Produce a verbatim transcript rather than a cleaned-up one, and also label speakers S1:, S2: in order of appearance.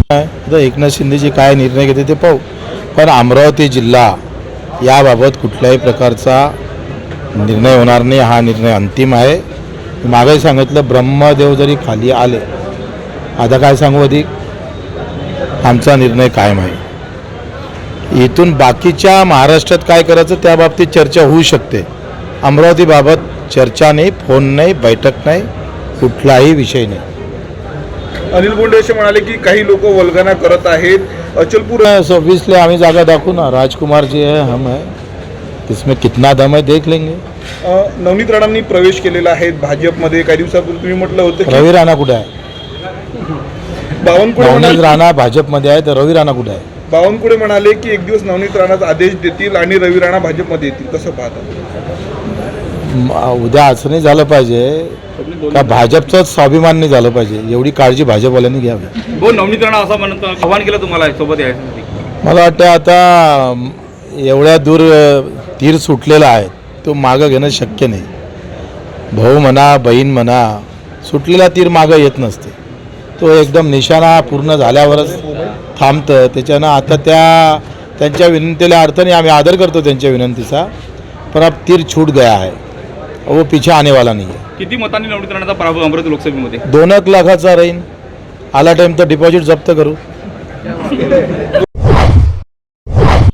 S1: तर एकनाथ शिंदेजी काय निर्णय घेते ते पाहू, पण अमरावती जिल्हा याबाबत कुठल्याही प्रकारचा निर्णय होणार नाही. हा निर्णय अंतिम आहे. मागेही सांगितलं, ब्रह्मदेव जरी खाली आले, आता काय सांगू अधिक, आमचा निर्णय कायम आहे. इथून बाकीच्या महाराष्ट्रात काय करायचं त्या बाबतीत चर्चा होऊ शकते. अमरावतीबाबत चर्चा नाही, फोन नाही, बैठक नाही, कुठलाही विषय नाही.
S2: अनिल बोंडे असे म्हणाले की काही लोक वल्गना करत आहेत. अचलपूर
S1: ऑब्वियसली आम्ही जागा दाखवू ना. राजकुमार जी है, हम है, इसमें कितना दम है देख लेंगे.
S2: नवनीत राणांनी प्रवेश केलेला आहे भाजपमध्ये. काही दिवसापूर्वी तुम्ही म्हटलं होतं की
S1: रवी राणा कुठे आहे?
S2: बावनकुळे
S1: नवनीत
S2: म्हणाले
S1: राणा भाजपमध्ये आहे, तर रवी राणा कुठे आहे?
S2: बावनकुळे म्हणाले की एक दिवस नवनीत राणाचा आदेश देतील आणि रवी राणा भाजपमध्ये येतील. कसं पाहता?
S1: म- उद्या असं नाही झालं पाहिजे का भाजपचं स्वाभिमान नाही झालं पाहिजे. एवढी काळजी भाजपवाल्यांनी घ्यावी.
S3: हो, नवनीत राणा असं म्हणत आव्हान केलं तुम्हाला सोबत यायसाठी.
S1: मला वाटतं आता म, एवढ्या दूर अ, तीर सुटलेला आहे, तो मागं घेणं शक्य नाही. भाऊ म्हणा, बहीण म्हणा, सुटलेला तीर मागं येत नसते. तो एकदम निशाणा पूर्ण झाल्यावरच थांबतं. त्याच्यानं आता त्या त्यांच्या विनंतीला अर्थाने आम्ही आदर करतो त्यांच्या विनंतीचा, पण अब तीर छूट गया है, वो पीछे आने वाला नहीं है.
S3: किती मतांनी नवनीत राणाचा पराभव अमरावती लोकसभेमध्ये?
S1: दोन एक लाखाचा राहील. आला टाईम तर डिपॉझिट जप्त करू.